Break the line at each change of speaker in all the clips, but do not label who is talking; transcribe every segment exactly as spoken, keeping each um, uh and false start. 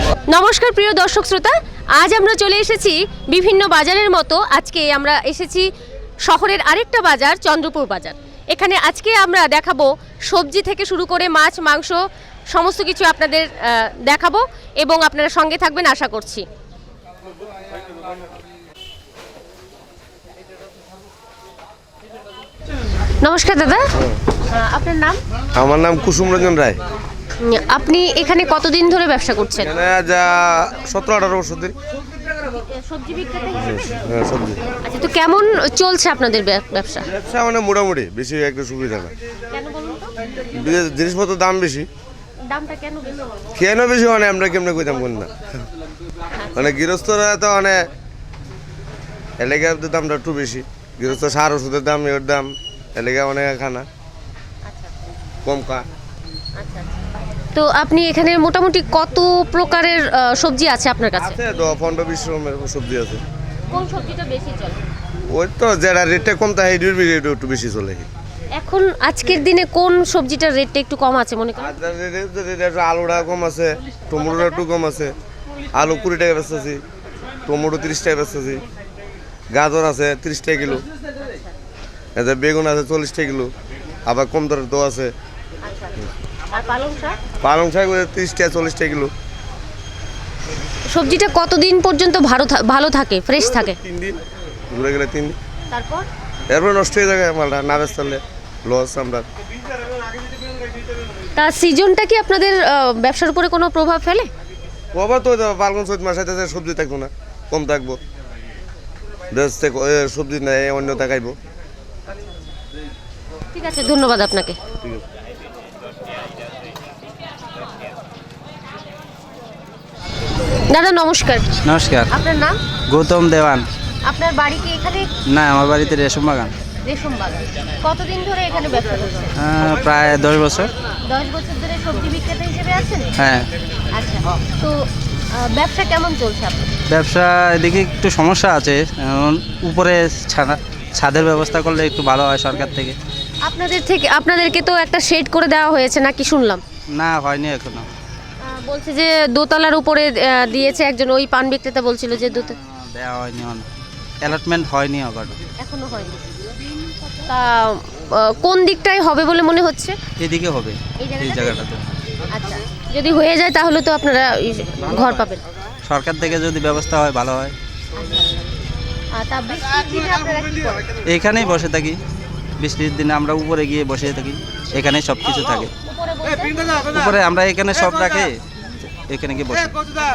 নমস্কার প্রিয় দর্শক শ্রোতা, আজ আমরা চলে এসেছি বিভিন্ন বাজারের মতো আজকে আমরা এসেছি শহরের আরেকটা বাজার, চন্দ্রপুর বাজার। এখানে আজকে আমরা দেখাবো সবজি থেকে শুরু করে মাছ, মাংস সমস্ত কিছু আপনাদের দেখাবো এবং আপনারা সঙ্গে থাকবেন আশা করছি। নমস্কার দাদা, আপনার নাম?
আমার নাম কুসুম রঞ্জন রায়।
আপনি এখানে কতদিন ধরে ব্যবসা করছেন?
যা সতেরো আঠারো বছর ধরে
সবজি বিক্রেতা হিসেবে।
হ্যাঁ, সবজি।
আচ্ছা, তো কেমন চলছে আপনাদের ব্যবসা?
ব্যবসা মানে মোটামুটি, বেশি একটা সুবিধা না।
কেন বলুন তো?
জিনিসপত্রের দাম বেশি।
দামটা কেন বেশি?
কেন বেশি মানে আমরা কেমনে কইতাম কোন না, মানে গৃহস্থরা তো মানে এলাকার দামটা একটু বেশি। গৃহস্থ সার ওষুধের দাম, এর দাম এলাকা অনেক খানা কম কা।
তো আপনি এখানে মোটামুটি কত প্রকারের সবজি আছে আপনার কাছে?
আছে তো পনেরো বিশ রকমের সবজি আছে।
কোন সবজিটা বেশি চলে?
ওই তো যেটা রেটটা কম থাকে এটা একটু বেশি চলে।
এখন আজকের দিনে কোন সবজিটার রেটটা একটু কম আছে মনে করেন?
আলুটা কম আছে, টমেটোটা একটু কম আছে। আলু কুড়ি টাকা বেচতেছি, টমেটো তিরিশ টাকা বেচতেছি, গাজর আছে তিরিশ টাকা কিলো, এতে বেগুন আছে চল্লিশ টাকা কিলো, আবার কম দরের তো আছে। পালং শাক তিরিশ টাকা চল্লিশ টাকা কিলো।
সবজিটা কতদিন পর্যন্ত ভালো ভালো থাকে, ফ্রেশ থাকে?
তিন দিন ঘুরে গেলে তিন দিন,
তারপর
এরপর নষ্ট হয়ে যায় মালটা, না বেচলে লস আমরা।
তা সিজনটা কি আপনাদের ব্যবসার উপরে কোনো প্রভাব ফেলে?
প্রভাব তো ফাল্গুন চৈত মাসে সবজি থাকবো না, কম থাকবো, সবজি নেই অন্য দেখাইবো।
ঠিক আছে, ধন্যবাদ আপনাকে। দাদা নমস্কার।
নমস্কার।
আপনার নাম?
গৌতম দেওয়ান।
আপনার বাড়ি কি এখানে?
না, আমার বাড়িতে রেশম বাগান।
রেশম বাগান। কতদিন ধরে এখানে ব্যবসা করছেন?
প্রায় দশ বছর।
দশ বছর ধরে সবজি বিক্রেতা হিসেবে আছেন?
হ্যাঁ।
আচ্ছা, তো ব্যবসা কেমন চলছে আপনার?
ব্যবসা এদিকে একটু সমস্যা আছে, উপরে ছাদের ব্যবস্থা করলে একটু ভালো হয় সরকার থেকে।
আপনাদের থেকে আপনাদেরকে তো একটা শেড করে দেওয়া হয়েছে নাকি শুনলাম?
না, হয়নি এখনো।
বলছে যে দোতলার উপরে দিয়েছে একজন, ওই পান বিক্রেতা বলছিল যে দোতলা
দেওয়া হয়নি, অ্যালটমেন্ট হয়নি এখনো।
এখনো হয়নি। তা কোন দিকটায় হবে বলে মনে হচ্ছে?
এদিকে হবে, এই জায়গাটাতে।
আচ্ছা, যদি হয়ে যায় তাহলে তো আপনারা ঘর পাবেন।
সরকার থেকে যদি ব্যবস্থা হয় ভালো হয়। এখানেই বসে থাকি, বৃষ্টির দিনে আমরা উপরে গিয়ে বসে থাকি, এখানেই সব কিছু থাকে। উপরে আমরা এখানে সব রাখি, এখানে গিয়ে বসে।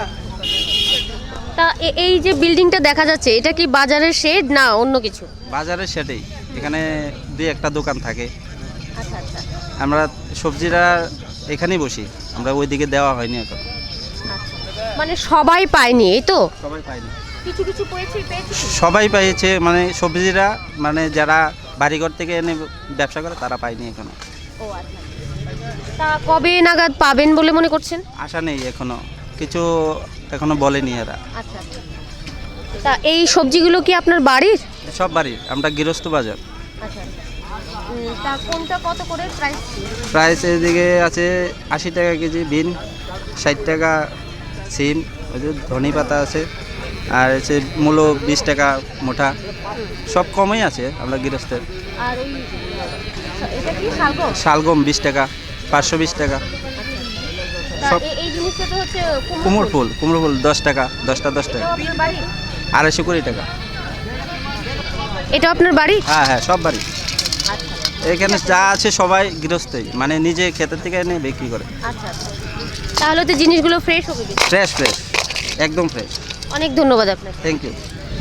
তা এই যে বিল্ডিংটা দেখা যাচ্ছে, এটা কি বাজারের শেড না অন্য কিছু?
বাজারের শেডেই, এখানে দুই একটা দোকান থাকে। আচ্ছা আচ্ছা। আমরা সবজিরা এখানেই বসি, আমরা ওইদিকে দেওয়া হয়নি এখন।
মানে সবাই পায়নি, এই তো?
সবাই পায়নি,
কিছু কিছু পেয়েছে।
সবাই পেয়েছে, মানে সবজিরা মানে যারা বাড়িঘর থেকে এনে ব্যবসা করে তারা পায়নি এখনো।
ও আচ্ছা। তা কবে নাগাদ পাবেন বলে মনে করছেন?
আশা নেই এখনো, কিছু এখনো বলেনি এরা।
আচ্ছা। তা এই সবজিগুলো কি আপনার বাড়ির?
সব বাড়ির, আমরা গৃহস্থ বাজার।
আচ্ছা। তা কোনটা কত করে প্রাইস?
প্রাইস এদিকে আছে আশি টাকা কেজি বিন, ষাট টাকা সিম, ওই যে ধনে পাতা আছে, আর হচ্ছে মূলো বিশ টাকা মোটা, সব কমই আছে আমরা গৃহস্থের।
আর ওই এটা কি শালগম?
শালগম বিশ টাকা, পাঁচশো বিশ টাকা।
সব এই জিনিসটা তো হচ্ছে
কুমড়ো ফুল, কুমড়ো ফুল দশ টাকা, দশটা দশ টাকা, আড়াইশো কুড়ি টাকা।
এটা আপনার বাড়ি?
হ্যাঁ হ্যাঁ, সব বাড়ি। এখানে যা আছে সবাই গৃহস্থই, মানে নিজে ক্ষেতের থেকে এনে বিক্রি করে।
আচ্ছা, তাহলে তো জিনিসগুলো ফ্রেশ হবে?
ফ্রেশ ফ্রেশ, একদম ফ্রেশ।
অনেক ধন্যবাদ আপনাকে।
Thank you.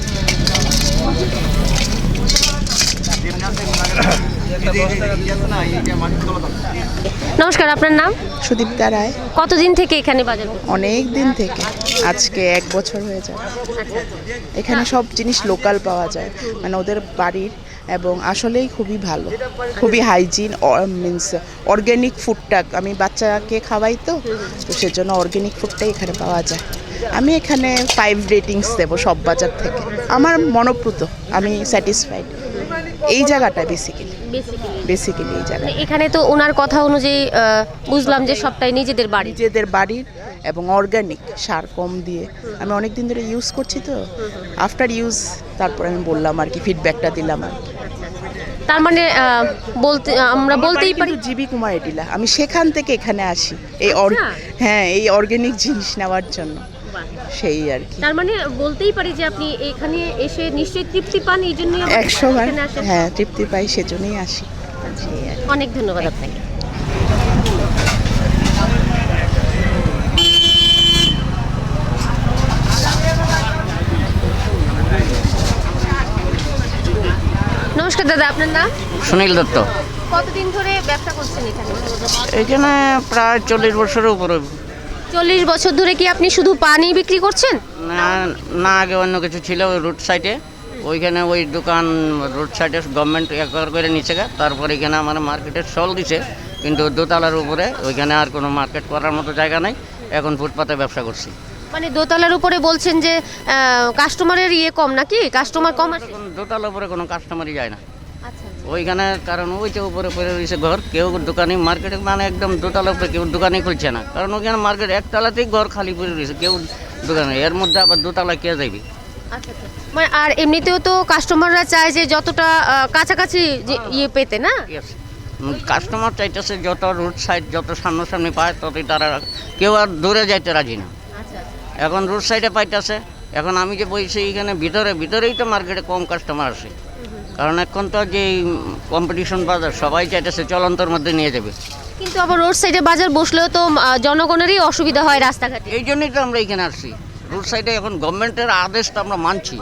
নমস্কার, আপনার নাম?
সুদীপ্তা রায়।
কতদিন থেকে এখানে বাজার?
অনেক দিন থেকে, আজকে এক বছর হয়ে যায়। এখানে সব জিনিস লোকাল পাওয়া যায়, মানে ওদের বাড়ির, এবং আসলেই খুবই ভালো, খুবই হাইজিন, মিনস অর্গ্যানিক ফুডটা আমি বাচ্চাকে খাওয়াই, তো তো সেজন্য অর্গ্যানিক ফুডটাই এখানে পাওয়া যায়। আমি এখানে ফাইভ রেটিংস দেবো সব বাজার থেকে। আমার মনোপ্রুত, আমি স্যাটিসফাইড এই জায়গাটা বেসিক্যালি।
বেসিক্যালি
বেসিক্যালি এই জায়গায়
এখানে তো ওনার কথা অনুযায়ী আহ, বুঝলাম যে সবটাই নিজেদের বাড়ি।
নিজেদের বাড়ির এবং অর্গানিক সার কম দিয়ে আমি অনেক দিন ধরে ইউজ করছি তো আফটার ইউজ তারপর আমি বললাম আর কি ফিডব্যাকটা দিলাম আর কি।
তার মানে আহ, বলতে আমরা বলতেই পারি
কিন্তু জিবি কুমার এটিলা আমি সেখান থেকে এখানে আসি এই অর-
আচ্ছা।
হ্যাঁ এই অর্গানিক জিনিস নেওয়ার জন্য সেই আর কি
তার মানে বলতেই পারি যে আপনি এখানে এসে নিশ্চয়ই তৃপ্তি পান, এই জন্যই আপনি
একশো বার
এখানে আসেন।
হ্যাঁ তৃপ্তি পাই সেজন্যই আসি সেই আর কি।
অনেক ধন্যবাদ আপনাকে। নমস্কার দাদা, আপনার নাম?
সুনীল দত্ত।
কতদিন ধরে ব্যবসা করছেন এখানে?
এখানে প্রায় চল্লিশ বছরের উপরে।
চল্লিশ বছর ধরে কি আপনি শুধু পানি বিক্রি করছেন?
না না আগে অন্য কিছু ছিল ওই রোড সাইডে, ওইখানে ওই দোকান রোড সাইডে গভর্নমেন্ট একবার করে নিচ্ছে গা, তারপর এখানে আমার মার্কেটের স্টল দিছে, কিন্তু দোতলার উপরে ওইখানে আর কোনো মার্কেট করার মতো জায়গা নাই, এখন ফুটপাতে ব্যবসা করছি।
মানে দোতলার উপরে বলছেন যে কাস্টমারের ইয়ে কম নাকি, কাস্টমার কম আসে?
এখন দোতলার উপরে কোনো কাস্টমারই যায় না
আচ্ছা
ওইখানে, কারণ ওই যে উপরে পড়ে রয়েছে ঘর, কেউ দোকানি মার্কেটে মানে একদম দোতলার উপরে কেউ দোকানই খুলছে না, কারণ ওইখানে মার্কেট একতলাতেই ঘর খালি পড়ে রয়েছে, কেউ দোকানে, এর মধ্যে আবার দোতলা কে যাইবে।
আচ্ছা আচ্ছা। মানে আর এমনিতেও তো কাস্টমাররা চায় যে যতটা আহ, কাছাকাছি যে ইয়ে পেতে না।
কাস্টমার চাইতেছে যত রোড সাইড যত সামনাসামনি পায় ততই তারা, কেউ আর দূরে যাইতে রাজি না।
আচ্ছা
এখন রোড সাইডে পাইতেছে, এখন আমি যে বলছি এখানে ভিতরে ভিতরেই তো মার্কেটে কম কাস্টমার আসে, কারণ এখন তো যে কম্পিটিশন বাজার, সবাই চাইতেছে চলন্তর মধ্যে নিয়ে যাবে।
কিন্তু আবার রোড সাইডে বাজার বসলেও তো আহ, জনগণেরই অসুবিধা হয় রাস্তাঘাটে।
এই জন্যই তো আমরা এখানে আসছি, রোড সাইডে এখন গভর্নমেন্টের আদেশ তো আমরা মানছি।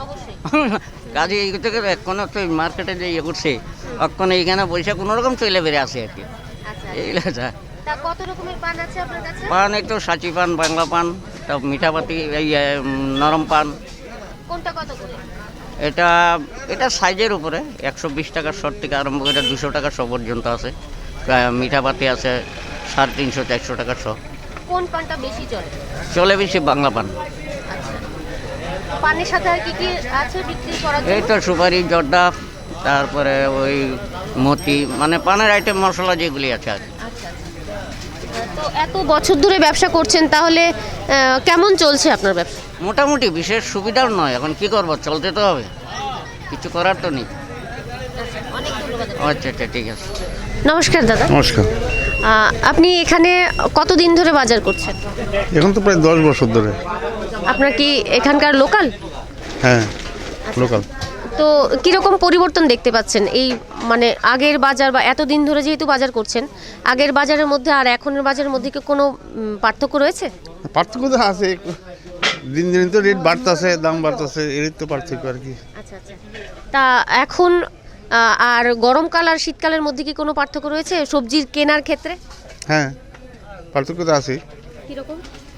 কাজে এই থেকে এখন তো মার্কেটে যে ইয়ে করছে, এখন এইখানে পয়সা কোনো রকম চলে বেড়ে আসে আর কি,
আচ্ছা
এইগুলো যা।
তা কত রকমের পান আছে আপনার কাছে?
পান একটু সাচি পান, বাংলা পান, তা মিঠাপাতি, এই এ, উম, নরম পান।
কোনটা কত করে?
এটা এটা সাইজের উপরে একশো বিশ টাকার শর্ট থেকে আরম্ভ করে দুশো টাকা শো পর্যন্ত আছে, প্রায় মিঠাপাতি আছে সাড়ে তিনশো চারশো টাকার শো।
কোন পানটা বেশি চলে?
চলে বেশি বাংলা পান।
আচ্ছা, পানের সাথে আর কি কি আছে বিক্রি করার
এই
জন্য?
তো সুপারি, জর্দা, তারপরে ওই মতি, মানে পানের আইটেম মশলা যেগুলি আছে আর কি।
আচ্ছা আচ্ছা। তো এত বছর ধরে ব্যবসা করছেন, তাহলে আহ, কেমন চলছে আপনার ব্যবসা?
মোটামুটি বিশেষ সুবিধার নয়, এখন কি করবো, চলতে তো হবে, কিছু করার তো নেই।
অনেক ধন্যবাদ।
আচ্ছা আচ্ছা ঠিক আছে।
নমস্কার দাদা,
নমস্কার।
আহ, আপনি এখানে কতদিন ধরে বাজার করছেন?
এখন তো প্রায় দশ বছর ধরে।
আপনার কি এখানকার লোকাল?
হ্যাঁ লোকাল।
তো কিরকম পরিবর্তন দেখতে পাচ্ছেন এই মানে আগের বাজার বা এতদিন ধরে যেহেতু বাজার করছেন, আগের বাজারের মধ্যে আর এখনের বাজারের মধ্যে কি কোনো উম, পার্থক্য রয়েছে?
পার্থক্য তো আছে, দিন দিন তো রেট বাড়তেছে, দাম বাড়তেছে, এর তো পার্থক্য আর কি।
আচ্ছা আচ্ছা। তা এখন আহ, আর গরমকাল আর শীতকালের মধ্যে কি কোনো পার্থক্য রয়েছে সবজির কেনার ক্ষেত্রে?
হ্যাঁ পার্থক্য তো আছে।
কিরকম?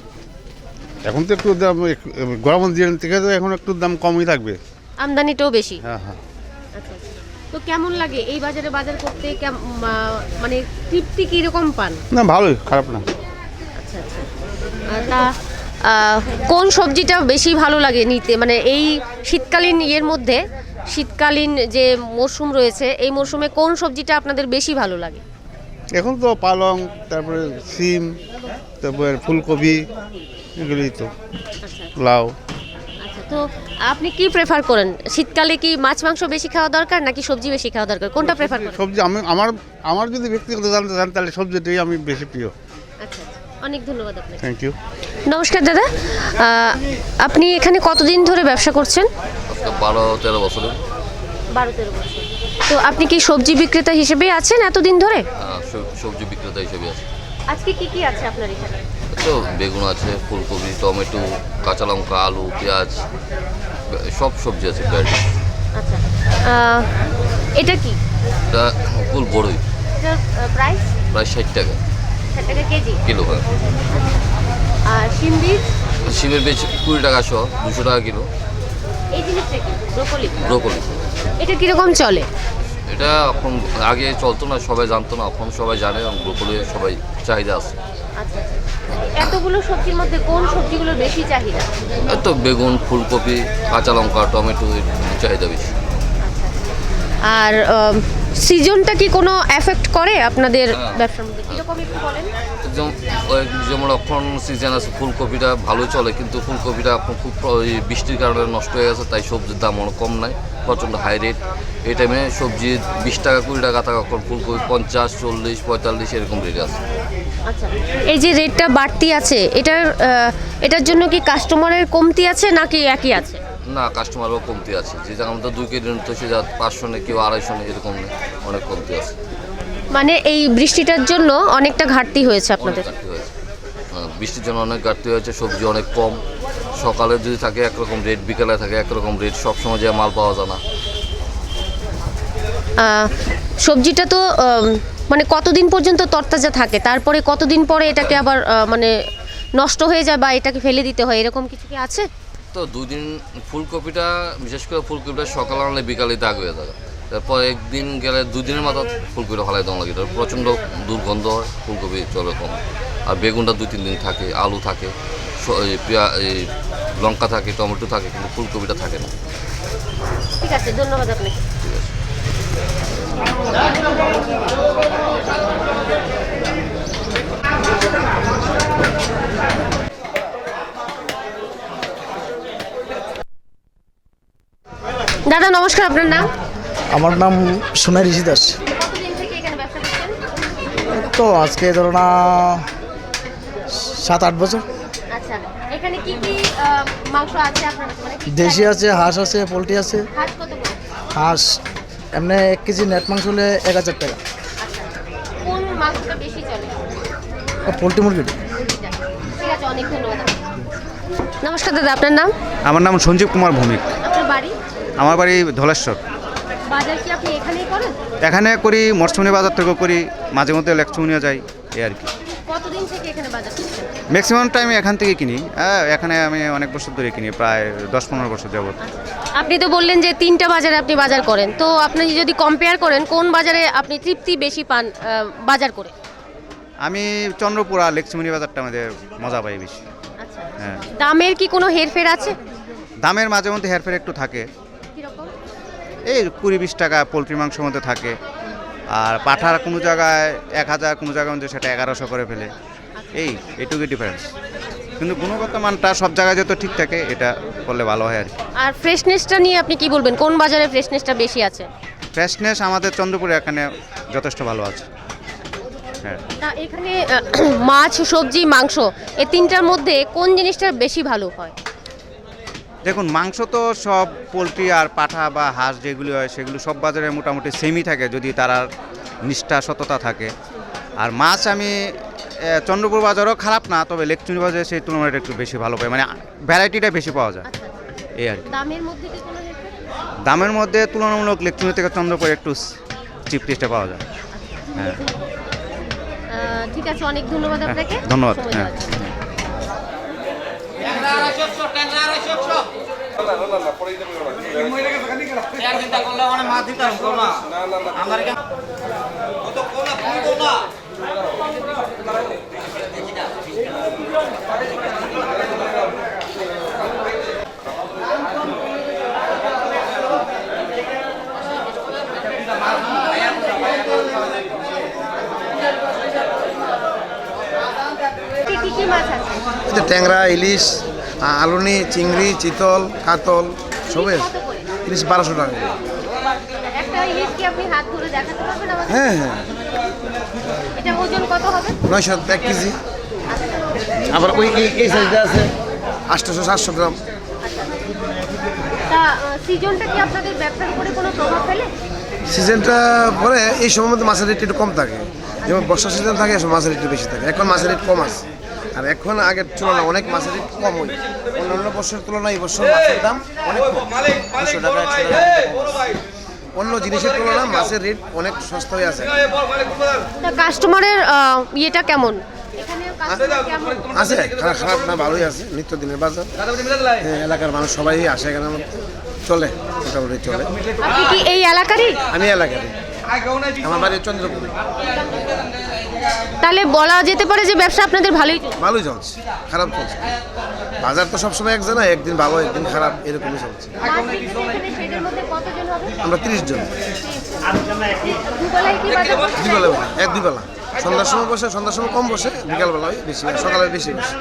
এখন তো একটু দাম, একটু- গরমের দিন থেকে তো এখন একটু দাম কমই থাকবে।
আমদানিটাও বেশি।
হ্যাঁ হ্যাঁ।
আচ্ছা আচ্ছা। তো কেমন লাগে এই বাজারে বাজার করতে? কেম- মা- মানে তৃপ্তি কিরকম পান?
না ভালোই, খারাপ না।
আচ্ছা আচ্ছা। আহ, তা আহ, কোন সবজিটা বেশি ভালো লাগে নিতে, মানে এই শীতকালীন ইয়ের মধ্যে, শীতকালীন যে মরশুম রয়েছে এই মরশুমে কোন সবজিটা আপনাদের বেশি ভালো লাগে?
এখন তো পালং, তারপরে সিম, তারপরে ফুলকপি, এগুলোই তো,
আচ্ছা
লাউ।
আচ্ছা। তো আপনি কি প্রেফার করেন, শীতকালে কি মাছ মাংস বেশি খাওয়া দরকার নাকি সবজি বেশি খাওয়া দরকার, কোনটা প্রেফার করেন?
সবজি আমি আমার আমার যদি ব্যক্তিগত জানতে চান তাহলে সবজিটাই আমি বেশি প্রিয়।
আচ্ছা আচ্ছা। অনেক ধন্যবাদ আপনাকে।
Thank you.
নমস্কার দাদা, আহ, আপনি এখানে কতদিন ধরে ব্যবসা করছেন?
আজকে বারো তেরো বছরে
বারো তেরো বছর। তো আপনি কি সবজি বিক্রেতা হিসেবে আছেন এতদিন ধরে?
আহ, সব- সবজি বিক্রেতা হিসেবে আছে।
আজকে কি কি আছে আপনার এখানে?
তো বেগুন আছে, ফুলকপি, টমেটো, কাঁচা লঙ্কা, আলু, পেঁয়াজ, সব সবজি আছে প্রায়।
আচ্ছা, আহ, এটা কি?
এটা ফুল বড়ই,
এটার প্রাইস
প্রায় ষাট টাকা
ষাট টাকা কেজি।
কিলো। হয়
আর শিম বীজ?
শিমের বীজ কুড়ি টাকা শো, দুশো টাকা কিলো।
এই জিনিসটা কি? ব্রোকলি।
ব্রোকলি,
এটা কিরকম চলে?
এটা এখন আগে চলতো না, সবাই জানতো না, এখন সবাই জানে, এবং ব্রোকলি সবাই চাহিদা আছে।
আচ্ছা আচ্ছা। এতগুলো সবজির মধ্যে কোন সবজিগুলোর বেশি চাহিদা?
এই তো বেগুন, ফুলকপি, কাঁচা লঙ্কা, টমেটো, এর চাহিদা বেশি।
আর আহ, সিজনটা কি কোনো এফেক্ট করে আপনাদের
হ্যাঁ।
ব্যবসার মধ্যে কিরকম একটু বলেন?
যেমন ওই- যেমন এখন সিজন আছে ফুলকপিটা ভালো চলে, কিন্তু ফুলকপিটা এখন খুব প্র- ওই বৃষ্টির কারণে নষ্ট হয়ে গেছে, তাই সবজির দাম অনেক কম নাই, প্রচণ্ড হাই রেট। এই টাইমে সবজি বিশ টাকা কুড়ি টাকা থাকে, এখন ফুলকপি পঞ্চাশ চল্লিশ পঁয়তাল্লিশ এরকম রেট আছে।
আচ্ছা, এই যে রেটটা বাড়তি আছে এটার আহ, এটার জন্য কি কাস্টমারের কমতি আছে নাকি একই আছে?
না, কাস্টমারও কমতি আছে, যে জায়গা আমাদের দুই কেজি নিতে সে যা পাঁচশো নেই, কেউ আড়াইশো নেই, এরকম নেই, অনেক কমতি আছে।
মানে এই বৃষ্টিটার জন্য অনেকটা ঘাটতি হয়েছে
অনেক
আপনাদের।
ঘাটতি হয়েছে, হ্যাঁ, বৃষ্টির জন্য অনেক ঘাটতি হয়েছে, সবজি অনেক কম। সকালে যদি থাকে একরকম রেট, বিকালে থাকে একরকম রেট, সবসময় যে মাল পাওয়া যায় না।
আহ, সবজিটা তো আম, মানে কতদিন পর্যন্ত তরতাজা থাকে, তারপরে কতদিন পরে এটাকে আবার আহ, মানে নষ্ট হয়ে যায় বা এটাকে ফেলে দিতে হয়, এরকম কিছু কি আছে?
তো দুই দিন ফুলকপিটা, বিশেষ করে ফুলকপিটা সকালে আনলে বিকালে দাগ হয়ে যায়, তারপর একদিন গেলে দুদিনের মাথা ফুলকপিটা ফালাই দেওয়া লাগে, এটা প্রচণ্ড দুর্গন্ধ হয়, ফুলকপি চলে কম। আর বেগুনটা দুই তিন দিন থাকে, আলু থাকে, স- এই পেঁয়া এই লঙ্কা থাকে, টমেটো থাকে, কিন্তু ফুলকপিটা থাকে না।
ঠিক আছে, ধন্যবাদ আপনাকে।
ঠিক আছে।
দাদা নমস্কার, আপনার নাম?
আমার নাম সোনাই ঋষি দাস।
কতদিন থেকে এখানে ব্যবসা করছেন?
তো আজকে ধরো না সাত আট বছর।
আচ্ছা, এখানে কি কি আহ, মাংস আছে আপনার কাছে? মানে কি কি
দেশি আছে, হাঁস আছে, পোলট্রি আছে।
হাঁস কত করে?
হাঁস এমনি এক কেজি নেট মাংস হলে এক হাজার টাকা।
আচ্ছা, কোন মাংসটা বেশি চলে?
আর পোলট্রি মুরগি
ঠিক আছে, অনেক ধন্যবাদ আপনাকে। নমস্কার দাদা, আপনার নাম?
আমার নাম সঞ্জীব কুমার ভৌমিক।
আপনার বাড়ি?
আমার বাড়ি ধলেশ্বর।
বাজার কি আপনি এখানেই করেন?
এখানে করি, মরসুমনি বাজার থেকেও করি, মাঝে মধ্যে লেকচুনিয়া যাই, এই আর কি।
কতদিন থেকে এখানে বাজার করছেন?
ম্যাক্সিমাম টাইম এখান থেকে কিনি। হ্যাঁ, এখানে আমি অনেক বছর ধরে কিনি, প্রায় দশ পনেরো বছর যাবত।
আপনি তো বললেন যে তিনটা বাজারে আপনি বাজার করেন, তো আপনি যদি কম্পেয়ার করেন কোন বাজারে আপনি তৃপ্তি বেশি পান আহ, বাজার করে?
আমি চন্দ্রপুর আর লেকচুমনি বাজারটা আমাদের মজা পাই বেশি।
আচ্ছা,
হ্যাঁ,
দামের কি কোনো হেরফের আছে?
দামের মাঝে মধ্যে হেরফের একটু থাকে,
কিরকম?
এই কুড়ি বিশ টাকা পোলট্রি মাংসের মধ্যে থাকে। আর পাঠার কোনো জায়গায় এক হাজার, কোনো জায়গায় মধ্যে সেটা এগারোশো করে ফেলে, এই এটুকুই ডিফারেন্স। কিন্তু গুণগত মানটা সব জায়গায় যত ঠিক থাকে, এটা করলে ভালো হয় আর কি।
আর ফ্রেশনেসটা নিয়ে আপনি কি বলবেন, কোন বাজারে ফ্রেশনেসটা বেশি আছে?
ফ্রেশনেস আমাদের চন্দ্রপুরে এখানে যথেষ্ট ভালো আছে। হ্যাঁ,
তা এখানে আহ, মাছ, সবজি, মাংস এই তিনটার মধ্যে কোন জিনিসটা বেশি ভালো হয়?
দেখুন, মাংস তো সব পোলট্রি আর পাঠা বা হাঁস যেগুলি হয় সেগুলো সব বাজারে মোটামুটি সেমই থাকে, যদি তারা নিষ্ঠা সততা থাকে। আর মাছ আমি এ, চন্দ্রপুর বাজারও খারাপ না, তবে লেকচুনি বাজারে সেই তুলনায় একটু বেশি ভালো পাই, মানে ভ্যারাইটিটা বেশি পাওয়া যায়,
আচ্ছা,
এই আর কি।
দামের মধ্যে কি কোনো হেরফের?
দামের মধ্যে তুলনামূলক লেকচুনি থেকে চন্দ্রপুরে একটু চিপ টেস্টে পাওয়া যায়। হ্যাঁ,
আহ, ঠিক আছে, অনেক ধন্যবাদ আপনাকে।
ধন্যবাদ।
সময়
হ্যাঁ।
দেওয়ার জন্য। কি কি কি মাছ আছে?
এতে ট্যাংরা, ইলিশ, আ- আলুনি, চিংড়ি, চিতল, কাতল সবে
কত করে?
ইলিশ বারোশো টাকা।
একটা ইলিশ কি আপনি হাত ধরে দেখাতে পারবেন আমাকে?
হ্যাঁ হ্যাঁ,
এটা ওজন কত হবে?
নয়শো এক কেজি। আবার ওই এই- এই সাইজটা আছে আটশোশো সাতশো গ্রাম।
তা সিজনটা কি আপনাদের ব্যবসার উপরে কোনো প্রভাব ফেলে?
সিজনটা পরে এই সময়ের মধ্যে মাছের রেট একটু কম থাকে, যেমন বর্ষা সিজন থাকে, এখন মাছের রেট একটু বেশি থাকে। এখন মাছের রেট কম আছে, আর এখন আগের তুলনায় অনেক মাছের রেট কম হয়। অন্যান্য বছরের তুলনায় এই বছর মাছের দাম অনেক কম, দুশো টাকা একশো টাকা কম আছে। অন্য জিনিসের তুলনায় মাছের রেট অনেক সস্তা হয়ে আছে।
তা কাস্টমারের আহ, ইয়েটা কেমন? এখানে কাস্টমার কেমন?
আছে, খারাপ খারাপ না, ভালোই আছে। নিত্যদিনের বাজার, হ্যাঁ, এলাকার মানুষ সবাই আসে এখানে, আমার চলে, মোটামুটি চলে।
আপনি কি এই এলাকারই?
আমি এলাকারই, আমার বাড়ি চন্দ্রপুর।
তাহলে বলা যেতে পারে যে ব্যবসা আপনাদের ভালোই চলছে।
ভালোই চলছে, খারাপ চলছে। বাজার তো সবসময় এক জানা, একদিন ভালো একদিন খারাপ এরকমই চলছে। আমরা তিরিশ জন, দুবেলা বসে, এক দুবেলা। সন্ধ্যার সময় বসে, সন্ধ্যার সময় কম বসে, বিকালবেলা হয় বেশি, সকালে বেশি বসে।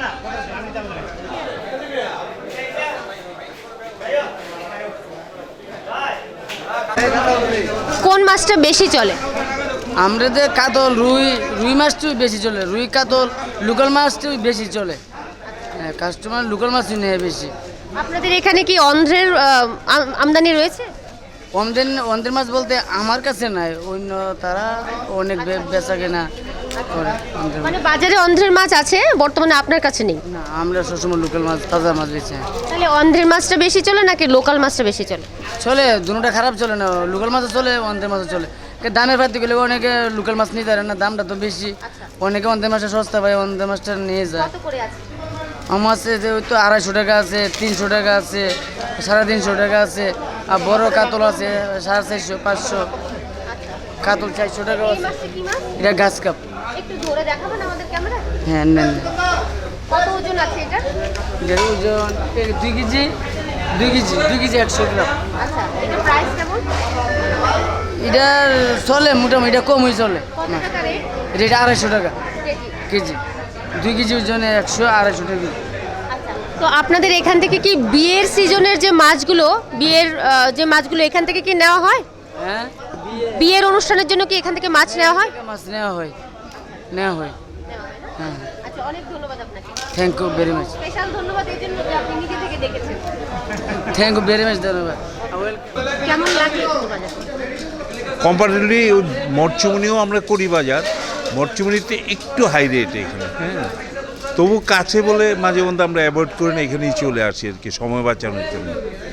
কোন মাছটা বেশি চলে?
আমাদের কাতল রুই রুই মাছটাই বেশি চলে, রুই কাতল লোকাল মাছটাই বেশি চলে। হ্যাঁ, কাস্টমার লোকাল মাছই নেয় বেশি।
আপনাদের এখানে কি অন্ধ্রের আহ, আম- আমদানি রয়েছে?
অন্ধ্রের অন্ধ্রের মাছ বলতে আমার কাছে নাই, অন্য তারা অনেক বে- বেচা কেনা করে অন্ধ্রের মাছ।
মানে বাজারে অন্ধ্রের মাছ আছে, বর্তমানে আপনার কাছে নেই।
না, আমরা সবসময় লোকাল মাছ, তাজা মাছ বেছে।
তাহলে অন্ধ্রের মাছটা বেশি চলে নাকি লোকাল মাছটা বেশি চলে?
চলে, দুটোটা খারাপ চলে না, লোকাল মাছও চলে, অন্ধ্রের মাছও চলে। কে দামের পাতি গেলে অনেকে লোকাল মাছ নিতে পারে না, দামটা তো বেশি। অনেকে অন্ধ্রের মাছটা সস্তা পায়, অন্ধ্রের মাছটা নিয়ে যায়।
কত করে আছে?
আমার আছে যে ওই তো আড়াইশো টাকা আছে, তিনশো টাকা আছে, সাড়ে তিনশো টাকা আছে, আর বড় কাতল আছে সাড়ে চারশো পাঁচশো, কাতল চারশো টাকা
এই
আছে।
মাছটা কি মাছ?
এটা গাছ কাপ।
একটু ধরে দেখাবেন আমাদের ক্যামেরা?
হ্যাঁ, নেন।
কত ওজন আছে এটা?
এটার ওজন এই দুই কেজি দুই কেজি দুই কেজি একশো গ্রাম।
আচ্ছা, এটা প্রাইস কেমন?
এটা চলে মোটামুটি, এটা কমই চলে।
কত টাকা রেট?
এটা আড়াইশো টাকা
কেজি?
কেজি, দুই কেজি ওজনে একশো আড়াইশো টাকা।
আচ্ছা, তো আপনাদের এখান থেকে কি বিয়ের সিজনের যে মাছগুলো, বিয়ের আহ, যে মাছগুলো এখান থেকে কি নেওয়া হয়?
হ্যাঁ,
বিয়ের অনুষ্ঠানের জন্য কি এখান থেকে মাছ নেওয়া হয়?
মাছ নেওয়া হয়, নেওয়া হয়। হ্যাঁ,
আচ্ছা, অনেক ধন্যবাদ আপনাকে।
Thank you very much,
special ধন্যবাদ এই জন্য যে আপনি নিজে থেকে দেখেছেন।
থ্যাংক ইউ ভেরি মাচ, ধন্যবাদ।
কেমন লাগলো একটু বাজার?
কম্পারেটিভলি মরচুমনিও আমরা করি বাজার, মরচুমনিতে একটু হাই রেট এখানে, হ্যাঁ। তবু কাছে বলে মাঝে মধ্যে আমরা অ্যাভয়েড করে না, এখানেই চলে আসি আর কি, সময় বাঁচানোর জন্য।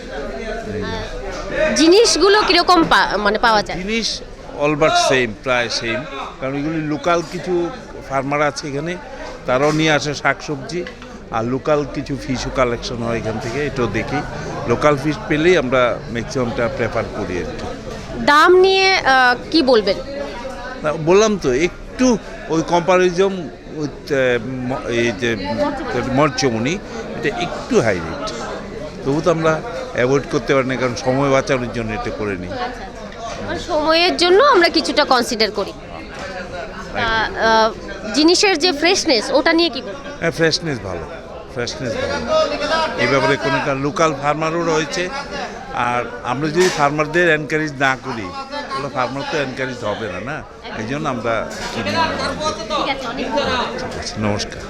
জিনিসগুলো কিরকম পা- মানে পাওয়া যায়?
জিনিস অলবাট সেম, প্রায় সেম, কারণ এগুলি লোকাল কিছু ফার্মার আছে এখানে, তারাও নিয়ে আসে শাকসবজি, আর লোকাল কিছু ফিশও কালেকশন হয় এখান থেকে, এটাও দেখি। লোকাল ফিশ পেলেই আমরা ম্যাক্সিমামটা প্রেফার করি আর কি।
দাম নিয়ে আহ, কি বলবেন?
না, বললাম তো একটু ওই কম্পারিজম উইথ এই যে মরচমনি, এটা একটু হাই রেট, তবু তো আমরা অ্যাভয়েড করতে পারি না, কারণ সময় বাঁচানোর জন্য এটা করে নিই।
মানে সময়ের জন্য আমরা কিছুটা কনসিডার করি। তা, আহ, জিনিসের যে ফ্রেশনেস, ওটা নিয়ে কি বলবেন?
হ্যাঁ, ফ্রেশনেস ভালো, ফ্রেশনেস ভালো, এই ব্যাপারে কোনো লোকাল ফার্মারও রয়েছে। আর আমরা যদি ফার্মারদের এনকারেজ না করি, তাহলে ফার্মার তো এনকারেজ হবে না, না, এই জন্য আমরা কিনি না।
ঠিক আছে, অনেক ধন্যবাদ।
ঠিক আছে, নমস্কার।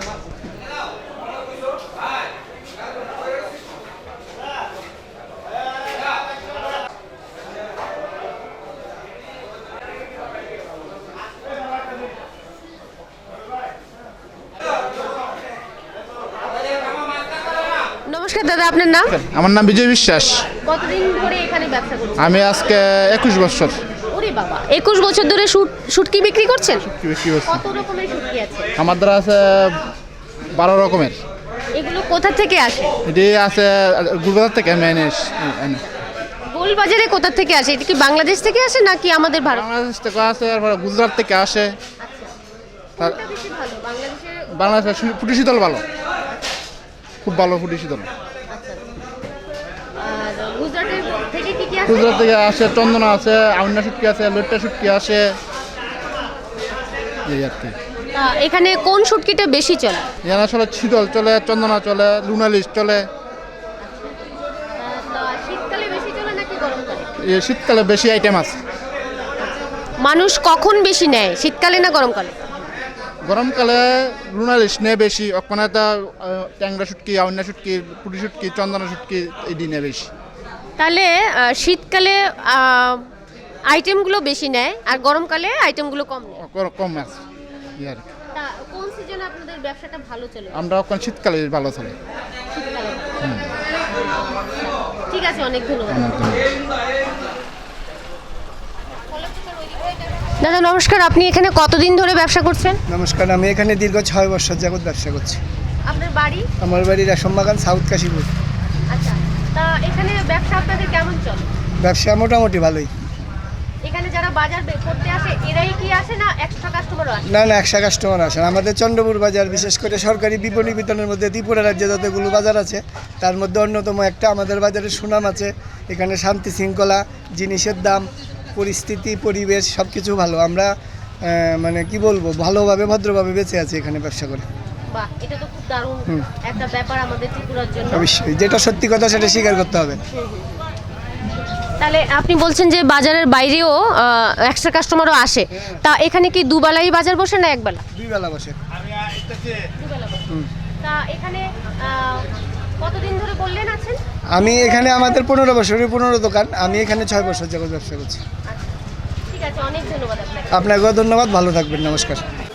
নমস্কার দাদা, আপনার নাম?
আমার নাম বিজয় বিশ্বাস।
কতদিন ধরে এখানে ব্যবসা করছেন?
আমি আজকে একুশ বছর
ওরে বাবা, একুশ বছর ধরে শুট- শুটকি বিক্রি করছেন?
বিক্রি করছি।
কত রকমের শুটকি আছে?
আমার দ্বারা আছে বারো রকমের।
এগুলো কোথা থেকে আসে?
এটি আছে গুলবাজার থেকে আমি এনে এস- এনে।
গোলবাজারে কোথা থেকে আসে? এটা কি বাংলাদেশ থেকে আসে নাকি আমাদের ভারত?
বাংলাদেশ থেকে আসে, তারপরে গুজরাট থেকে আসে। তার-
কোনটা বেশি ভালো? বাংলাদেশের?
বাংলাদেশের শু- ফুটি শীতল ভালো, খুব ভালো ফুটি শীতল।
আর গুজরাটের থেকে কি কি আসে?
গুজরাট থেকে আসে চন্দনা আছে, আউন্না শুটকি আছে, লইট্টা শুটকি আসে, এই আর কি।
তা এখানে কোন শুটকিটা বেশি চলে?
এখানে আসলে শীতল চলে, চন্দনা চলে, লুনালিশ চলে।
তা শীতকালে বেশি চলে নাকি গরমকালে?
এই শীতকালে বেশি আইটেম আছে।
মানুষ কখন বেশি নেয়, শীতকালে না গরমকালে?
গরমকালে লুনালিশ নেয় বেশি, ওখানে তো ট্যাংরা শুটকি, আউন্না শুটকি, পুটি শুটকি, চন্দনা শুটকি এটি নেয় বেশি।
তাহলে আহ, শীতকালে আহ, আইটেমগুলো বেশি নেয় আর গরমকালে আইটেমগুলো কম নেয়।
ক- কম আছে এই আর কি।
তা কোন সিজনে আপনাদের ব্যবসাটা ভালো চলে?
আমরা ওখানে শীতকালে ভালো চলে।
শীতকালে। ঠিক আছে, অনেক ধন্যবাদ। দাদা নমস্কার, আপনি এখানে কতদিন ধরে ব্যবসা করছেন?
নমস্কার, আমি এখানে দীর্ঘ ছয় বছর যাবত ব্যবসা করছি।
আপনার বাড়ি?
আমার বাড়ি রেশমবাগান, সাউথ কাশীপুর।
আচ্ছা, তা এখানে ব্যবসা আপনাদের কেমন চলে?
ব্যবসা মোটামুটি ভালোই।
এখানে যারা বাজার বে- করতে আসে এরাই কি আসে না এক্সট্রা কাস্টমারও আসে?
না না একশো কাস্টমার আসেন আমাদের চন্দ্রপুর বাজার, বিশেষ করে সরকারি বিপণী বিতরণের মধ্যে ত্রিপুরা রাজ্যে যতগুলো বাজার আছে তার মধ্যে অন্যতম একটা আমাদের বাজারের সুনাম আছে। এখানে শান্তি শৃঙ্খলা, জিনিসের দাম, পরিস্থিতি, পরিবেশ সব কিছু ভালো। আমরা আহ, মানে কি বলবো, ভালোভাবে ভদ্রভাবে বেঁচে আছি এখানে ব্যবসা করে।
বাহ, এটা তো খুব দারুণ একটা ব্যাপার আমাদের ত্রিপুরার জন্য।
অবশ্যই, যেটা সত্যি কথা সেটা স্বীকার করতে হবে।
তাহলে আপনি বলছেন যে বাজারের বাইরেও এক্সট্রা কাস্টমারও আসে, তা এখানে কি দুবেলাই বাজার বসে না একবেলা?
দুই বেলা বসে।
দুবেলা বসে। তা এখানে আহ, কতদিন ধরে করলেন আছেন?
আমি এখানে আমাদের পনেরো বছরের পনেরো দোকান, আমি এখানে ছয় বছর যাবত ব্যবসা করছি।
ঠিক আছে, অনেক ধন্যবাদ আপনাকে।
আপনাকেও ধন্যবাদ, ভালো থাকবেন, নমস্কার।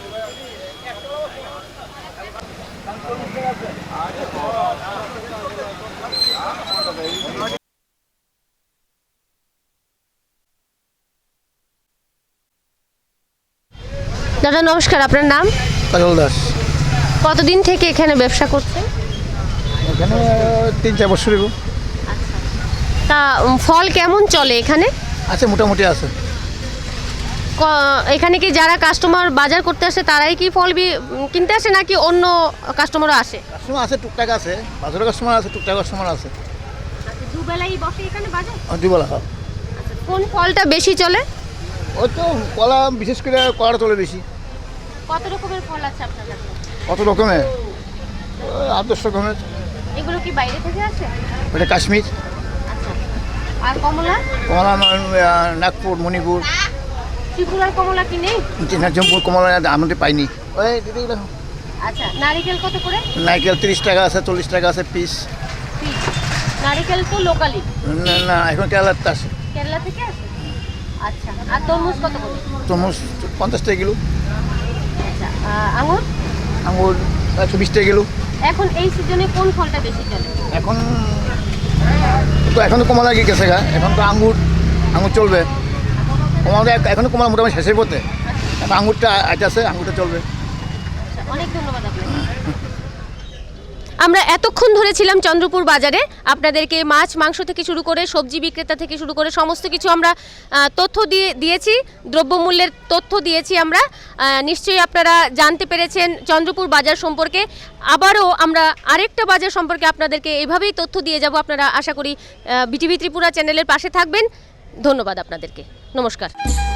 দাদা নমস্কার, আপনার নাম?
কাজল দাস।
কতদিন থেকে এখানে ব্যবসা করছেন?
এখানে তিন চার বছর
তা উম, ফল কেমন চলে এখানে?
আছে, মোটামুটি আছে।
ক- এখানে কি যারা কাস্টমার বাজার করতে আসে তারাই কি ফল বি- উম, কিনতে আসে নাকি অন্য কাস্টমারও আসে?
কাস্টমার আছে, টুকটাক আছে, বাজারের কাস্টমার আছে, টুকটাক কাস্টমার আছে।
দুবেলাই বসে এখানে বাজার?
দুবেলা
কোন ফলটা বেশি চলে?
ওই তো কলা, বিশেষ করে কলাটা চলে বেশি।
কত রকমের ফল আছে আপনার কাছে?
কত রকমের? আট দশ রকমের।
এগুলো কি বাইরে থেকে আসে?
ওটা কাশ্মীর,
আচ্ছা। আর কমলা?
কমলা নাগপুর, মণিপুর,
ত্রিপুরার কমলা কি নেই?
চিনাজমপুর কমলা আমাদের পাইনি। ওই দিদিগুলো
আচ্ছা, নারিকেল কত করে?
নারকেল তিরিশ টাকা আছে, চল্লিশ টাকা আছে পিস।
পিস। নারিকেল তো লোকালি,
না না, এখন কেরালাতে আছে।
কেরালা থেকে আসে। আচ্ছা, আর তরমুজ কত করে?
তরমুজ পঞ্চাশ টাকা কিলো,
আচ্ছা, আহ, আঙুর?
আঙুর একশো বিশ টাকা কিলো।
এখন এই সিজনে কোন ফলটা বেশি চলে?
এখন তো এখন তো কমলা গিয়ে গেছে গা, এখন তো আঙ্গুর আঙুর চলবে। কমলা এখন কমলা মোটামুটি শেষের পথে, এখন আঙুরটা আছে, আঙুরটা চলবে।
আচ্ছা, অনেক ধন্যবাদ আপনাকে। আমরা এতক্ষণ ধরে ছিলাম চন্দ্রপুর বাজারে, আপনাদেরকে মাছ মাংস থেকে শুরু করে সবজি বিক্রেতা থেকে শুরু করে সমস্ত কিছু আমরা আহ, তথ্য দিয়ে দিয়েছি, দ্রব্যমূল্যের তথ্য দিয়েছি আমরা। আহ, নিশ্চয়ই আপনারা জানতে পেরেছেন চন্দ্রপুর বাজার সম্পর্কে। আবারও আমরা আরেকটা বাজার সম্পর্কে আপনাদেরকে এভাবেই তথ্য দিয়ে যাব। আপনারা আশা করি বিটিভি ত্রিপুরা চ্যানেলের পাশে থাকবেন। ধন্যবাদ আপনাদেরকে, নমস্কার।